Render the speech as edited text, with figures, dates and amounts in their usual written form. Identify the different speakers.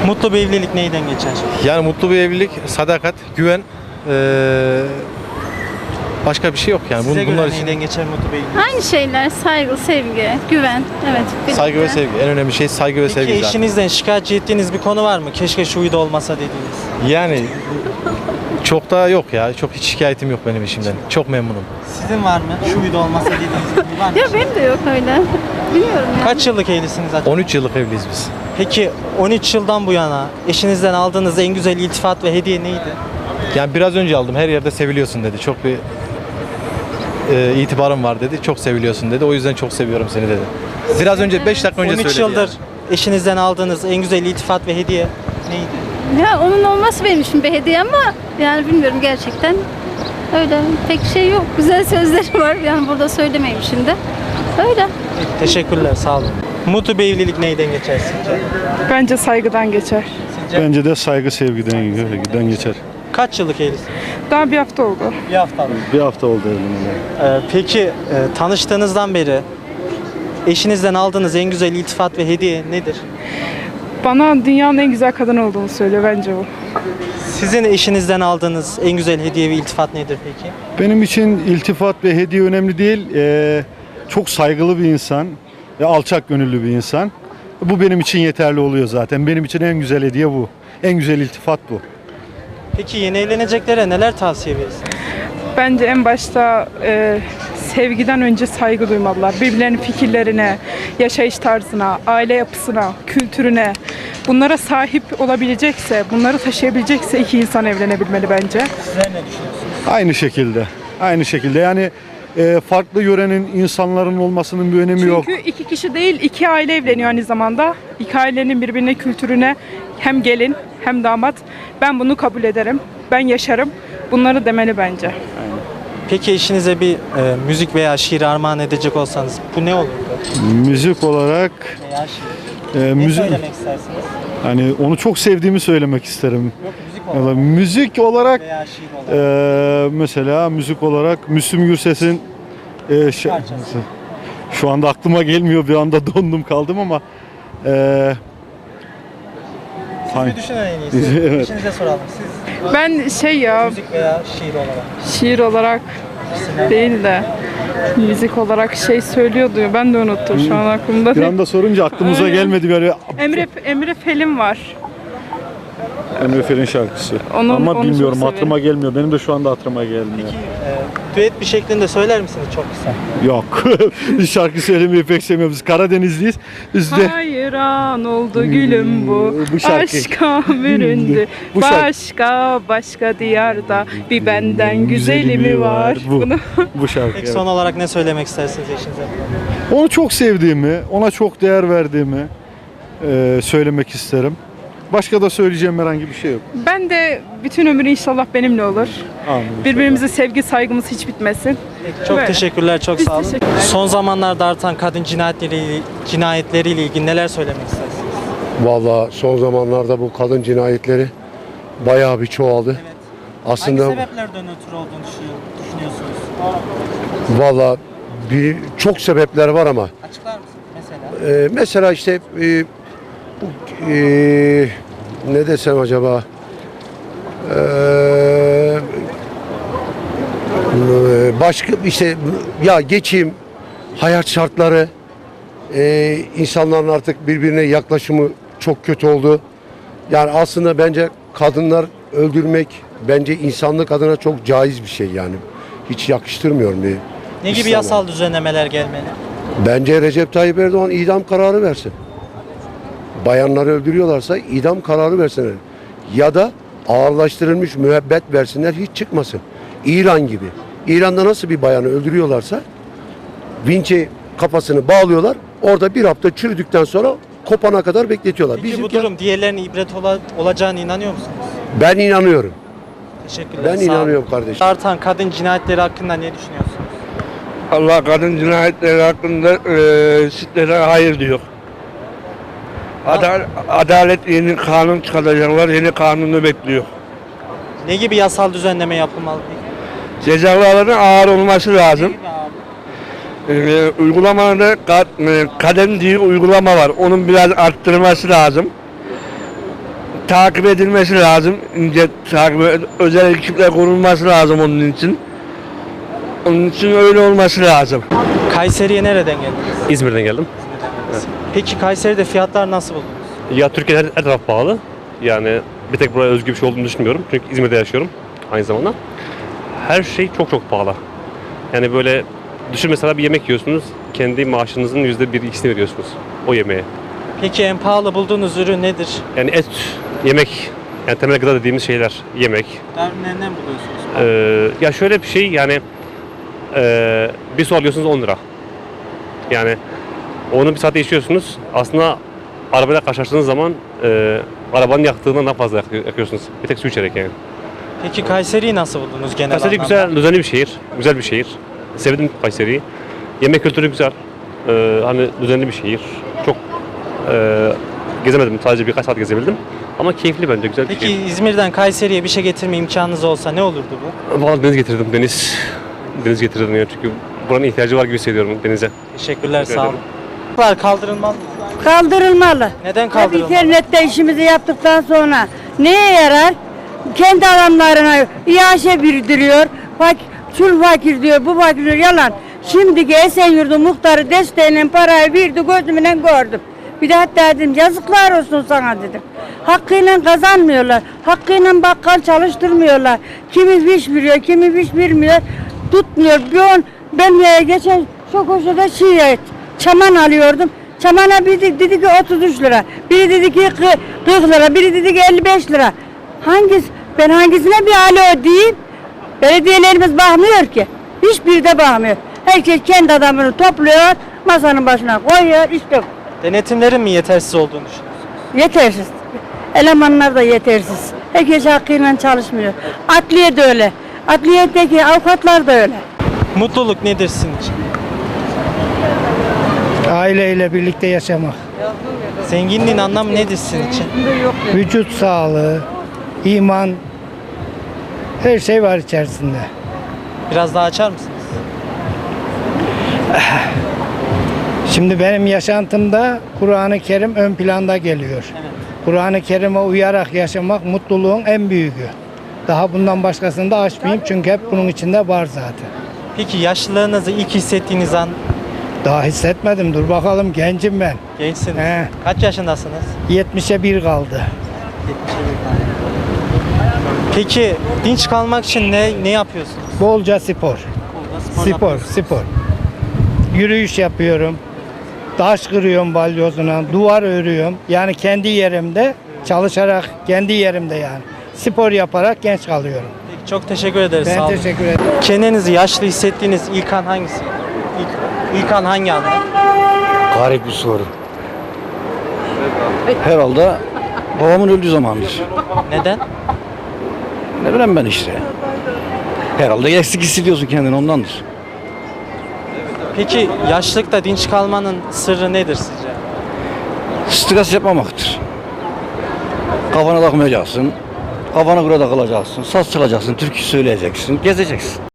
Speaker 1: Mutlu bir evlilik neyden geçer?
Speaker 2: Yani mutlu bir evlilik, sadakat, güven, başka bir şey yok yani.
Speaker 1: Size
Speaker 2: Bunlar
Speaker 1: göre
Speaker 2: için
Speaker 1: neyden geçer mutlu bir evlilik?
Speaker 3: Aynı şeyler, saygı, sevgi, güven. Evet.
Speaker 2: saygı ve
Speaker 3: birlikte.
Speaker 2: sevgi. En önemli şey saygı ve
Speaker 1: Peki
Speaker 2: sevgi zaten.
Speaker 1: eşinizden şikayetçi ettiğiniz bir konu var mı? Keşke şu huyda olmasa dediğiniz.
Speaker 2: Yani çok da yok ya. Çok hiç şikayetim yok benim işimden. Çok memnunum.
Speaker 1: Sizin var mı? Şu huyda olmasa dediğiniz bir huy var mı?
Speaker 3: Ya benim de yok öyle. Bilmiyorum yani.
Speaker 1: Kaç yıllık evlisiniz acaba?
Speaker 2: 13 yıllık evliyiz biz.
Speaker 1: Peki 13 yıldan bu yana eşinizden aldığınız en güzel iltifat ve hediye neydi?
Speaker 2: Yani biraz önce aldım. Her yerde seviliyorsun dedi. Çok bir itibarım var dedi. Çok seviliyorsun dedi. O yüzden çok seviyorum seni dedi. Biraz önce 5 dakika önce
Speaker 1: 13
Speaker 2: söyledi.
Speaker 1: yıldır
Speaker 2: yani.
Speaker 1: eşinizden aldığınız en güzel iltifat ve hediye neydi?
Speaker 3: Ya onun olması benim için bir hediye ama yani bilmiyorum gerçekten. Öyle pek şey yok. Güzel sözleri var. Yani burada söylemeyeyim şimdi. Öyle.
Speaker 1: Teşekkürler, sağ olun. Mutlu bir evlilik neyden geçer sizce?
Speaker 4: Bence saygıdan geçer.
Speaker 1: Sizce?
Speaker 5: Bence de saygı sevgiden geçer.
Speaker 1: Kaç yıllık evlisiniz?
Speaker 4: Daha bir hafta oldu.
Speaker 1: Bir hafta.
Speaker 5: Bir hafta oldu evleneli.
Speaker 1: Peki tanıştığınızdan beri eşinizden aldığınız en güzel iltifat ve hediye nedir?
Speaker 4: Bana dünyanın en güzel kadını olduğunu söylüyor bence o.
Speaker 1: Sizin eşinizden aldığınız en güzel hediye ve iltifat nedir peki?
Speaker 5: Benim için iltifat ve hediye önemli değil. Çok saygılı bir insan ve alçak gönüllü bir insan. Bu benim için yeterli oluyor zaten. Benim için en güzel hediye bu. En güzel iltifat bu.
Speaker 1: Peki yeni evleneceklere neler tavsiye verirsiniz?
Speaker 4: Bence en başta sevgiden önce saygı duymalılar. Birbirlerinin fikirlerine, yaşayış tarzına, aile yapısına, kültürüne. Bunlara sahip olabilecekse, bunları taşıyabilecekse iki insan evlenebilmeli bence.
Speaker 1: Sizler ne düşünüyorsunuz?
Speaker 5: Aynı şekilde. Aynı şekilde. Yani farklı yörenin insanların olmasının bir önemi yok.
Speaker 4: Çünkü iki kişi değil, iki aile evleniyor aynı zamanda. İki ailenin birbirine kültürüne hem gelin hem damat. Ben bunu kabul ederim. Ben yaşarım. Bunları demeli bence.
Speaker 1: Peki eşinize bir müzik veya şiir armağan edecek olsanız bu ne olurdu?
Speaker 5: Müzik olarak
Speaker 1: Veya şiir. Ne söylemek istersiniz?
Speaker 5: hani onu çok sevdiğimi söylemek isterim.
Speaker 1: Yok müzik
Speaker 5: Ya da
Speaker 1: olarak
Speaker 5: müzik olarak
Speaker 1: veya şiir olarak.
Speaker 5: mesela müzik olarak Müslüm Gürses'in
Speaker 1: Parçası.
Speaker 5: şu anda aklıma gelmiyor, bir anda dondum kaldım ama
Speaker 1: Siz bir düşünün en iyisi.
Speaker 5: Evet.
Speaker 1: Eşinize soralım. Siz
Speaker 4: Ben
Speaker 1: müzik veya şiir olarak.
Speaker 4: şiir olarak değil de müzik olarak söylüyordu. Ben de unuttum şu an aklımda
Speaker 5: bir
Speaker 4: değil.
Speaker 5: anda sorunca aklımıza
Speaker 4: Aynen.
Speaker 5: gelmedi böyle.
Speaker 4: Emre Fel'in var.
Speaker 5: Emre Fel'in şarkısı.
Speaker 4: Onu
Speaker 5: Ama bilmiyorum,
Speaker 4: çok
Speaker 5: hatırıma gelmiyor. Benim de şu anda hatırıma gelmiyor.
Speaker 1: Düet bir şeklinde söyler misiniz çok kısa?
Speaker 5: Yok. Biz şarkı söylemeyi pek sevmiyoruz. Biz Karadenizliyiz. Bizde
Speaker 4: Hayran oldu gülüm
Speaker 5: Bu şarkı.
Speaker 4: Aşka büründü.
Speaker 5: Bu şarkı.
Speaker 4: Başka diyarda bir benden güzeli mi var?
Speaker 5: Bu,
Speaker 4: Bunu
Speaker 5: bu şarkı.
Speaker 1: Peki
Speaker 5: evet.
Speaker 1: son olarak ne söylemek istersiniz eşinize?
Speaker 5: Onu çok sevdiğimi, ona çok değer verdiğimi söylemek isterim. Başka da söyleyeceğim herhangi bir şey yok.
Speaker 4: ben de bütün ömür inşallah benimle olur.
Speaker 5: Amin.
Speaker 4: Birbirimize sevgi saygımız hiç bitmesin.
Speaker 1: Peki, çok
Speaker 4: Böyle.
Speaker 1: teşekkürler, çok
Speaker 4: Biz
Speaker 1: sağ olun.
Speaker 4: teşekkürler.
Speaker 1: Son zamanlarda artan kadın cinayetleriyle ilgili neler söylemek istersiniz?
Speaker 6: Vallahi son zamanlarda bu kadın cinayetleri bayağı bir çoğaldı. Aslında
Speaker 1: Hangi sebeplerden ötürü olduğunu düşünüyorsunuz?
Speaker 6: vallahi çok sebepler var ama
Speaker 1: Açıklar mısınız mesela?
Speaker 6: mesela işte ne desem acaba başka işte ya geçim, hayat şartları, insanların artık birbirine yaklaşımı çok kötü oldu. Yani aslında bence kadınlar öldürmek bence insanlık adına çok caiz bir şey yani. Hiç yakıştırmıyorum bir.
Speaker 1: Ne gibi
Speaker 6: İslam'a.
Speaker 1: yasal düzenlemeler gelmeli?
Speaker 6: Bence Recep Tayyip Erdoğan idam kararı versin. Bayanları öldürüyorlarsa idam kararı versinler. Ya da ağırlaştırılmış müebbet versinler, hiç çıkmasın. İran gibi. İran'da nasıl bir bayanı öldürüyorlarsa vinçe kafasını bağlıyorlar. Orada bir hafta çürüdükten sonra kopana kadar bekletiyorlar.
Speaker 1: Peki bu
Speaker 6: Bizimki-
Speaker 1: durum diğerlerine ibret olacağına inanıyor musunuz?
Speaker 6: Ben inanıyorum.
Speaker 1: Teşekkürler.
Speaker 6: Ben
Speaker 1: sağ olun.
Speaker 6: inanıyorum kardeşim.
Speaker 1: Artan kadın cinayetleri hakkında ne düşünüyorsunuz?
Speaker 7: Allah kadın cinayetleri hakkında sitlere hayır diyor. Adalet yeni kanun çıkaracaklar, yeni kanunu bekliyor.
Speaker 1: Ne gibi yasal düzenleme yapılmalı peki?
Speaker 7: Cezaların ağır olması lazım.
Speaker 1: Ne gibi abi?
Speaker 7: Uygulamada kadem diye uygulama var. Onun biraz arttırılması lazım. takip edilmesi lazım. İnce takip, özel ekipler kurulması lazım onun için. Onun için öyle olması lazım.
Speaker 1: Kayseri'ye nereden geldiniz?
Speaker 8: İzmir'den geldim.
Speaker 1: Peki Kayseri'de fiyatlar nasıl buldunuz?
Speaker 8: Ya Türkiye'de her taraf pahalı. Yani bir tek buraya özgü bir şey olduğunu düşünmüyorum. Çünkü İzmir'de yaşıyorum aynı zamanda. Her şey çok çok pahalı. Yani böyle düşün, mesela bir yemek yiyorsunuz. Kendi maaşınızın %1-2'sini veriyorsunuz o yemeğe.
Speaker 1: Peki en pahalı bulduğunuz ürün nedir?
Speaker 8: Yani et, yemek, yani temel gıda dediğimiz şeyler, yemek.
Speaker 1: Nereden buluyorsunuz?
Speaker 8: Ya şöyle bir şey, yani bir su alıyorsunuz 10 lira. Yani onu bir saatte içiyorsunuz. Aslında arabayla karşılaştığınız zaman arabanın yaktığından daha fazla yakıyorsunuz. Bir tek su içerek yani.
Speaker 1: Peki Kayseri'yi nasıl buldunuz genel
Speaker 8: Kayseri
Speaker 1: anlamda?
Speaker 8: güzel, düzenli bir şehir. Güzel bir şehir. Sevdim Kayseri'yi. Yemek kültürü güzel. Hani düzenli bir şehir. Çok gezemedim. Sadece birkaç saat gezebildim. Ama keyifli bence. Güzel bir
Speaker 1: Peki
Speaker 8: şehir.
Speaker 1: İzmir'den Kayseri'ye bir şey getirme imkanınız olsa ne olurdu bu?
Speaker 8: Vallahi deniz getirdim. Deniz getirdim ya. Çünkü buranın ihtiyacı var gibi hissediyorum denize.
Speaker 1: Teşekkürler,
Speaker 8: Teşekkür
Speaker 1: sağ olun.
Speaker 8: ederim.
Speaker 1: Kaldırılmaz mı?
Speaker 9: Kaldırılmalı.
Speaker 1: Neden
Speaker 9: Hep
Speaker 1: kaldırılmalı?
Speaker 9: internette işimizi yaptıktan sonra neye yarar? Kendi adamlarına iaşe bildiriyor. Şu fakir diyor, bu fakir diyor. Yalan. Şimdiki Esenyurt'un muhtarı desteğinin parayı verdi, gözümle gördüm. Bir de hatta dedim yazıklar olsun sana dedim. Hakkıyla kazanmıyorlar. Hakkıyla bakkal çalıştırmıyorlar. Kimi fiş veriyor, kimi fiş vermiyor. Tutmuyor. Ben geçen çok hoşuna çaman alıyordum. Çamana biri dedi ki 33 lira. Biri dedi ki 40 lira. Biri dedi ki 55 lira. Ben hangisine bir alo diyeyim? Belediyelerimiz bakmıyor ki. Hiçbiri de bakmıyor. Herkes kendi adamını topluyor, masanın başına koyuyor, işte
Speaker 1: Denetimlerin mi yetersiz olduğunu düşünüyorsunuz?
Speaker 9: yetersiz. Elemanlar da yetersiz. Herkes hakkıyla çalışmıyor. Adliye de öyle. Adliyedeki avukatlar da öyle.
Speaker 1: Mutluluk nedir sizin için?
Speaker 10: Aileyle birlikte yaşamak.
Speaker 1: Zenginliğin anlamı nedir sizin için?
Speaker 10: Vücut sağlığı, iman, her şey var içerisinde.
Speaker 1: Biraz daha açar mısınız?
Speaker 10: Şimdi benim yaşantımda Kur'an-ı Kerim ön planda geliyor. Kur'an-ı Kerim'e uyarak yaşamak mutluluğun en büyüğü. Daha bundan başkasını da açmayayım çünkü hep bunun içinde var zaten.
Speaker 1: Peki yaşlılığınızı ilk hissettiğiniz an
Speaker 10: Daha hissetmedim, dur bakalım, gencim ben.
Speaker 1: gençsiniz.
Speaker 10: He.
Speaker 1: Kaç yaşındasınız?
Speaker 10: 70'e 1 kaldı.
Speaker 1: Peki dinç kalmak için ne yapıyorsunuz?
Speaker 10: Bolca spor. Spor. Yürüyüş yapıyorum. Taş kırıyorum balyozuna, duvar örüyorum. Yani kendi yerimde çalışarak, kendi yerimde yani. Spor yaparak genç kalıyorum.
Speaker 1: Peki, çok teşekkür ederiz.
Speaker 10: Ben
Speaker 1: sağ olun.
Speaker 10: teşekkür ederim.
Speaker 1: Kendinizi yaşlı hissettiğiniz ilk an hangisi? İlk an hangi anda?
Speaker 11: Garip bir soru. Herhalde babamın öldüğü zamandır.
Speaker 1: Neden?
Speaker 11: Ne bileyim ben işte. Herhalde eksik hissediyorsun kendini, ondandır.
Speaker 1: Peki yaşlılıkta dinç kalmanın sırrı nedir sizce?
Speaker 11: Stres yapmamaktır. Kafana takmayacaksın. Kafana göre takılacaksın. Saz çalacaksın, türkü söyleyeceksin, gezeceksin.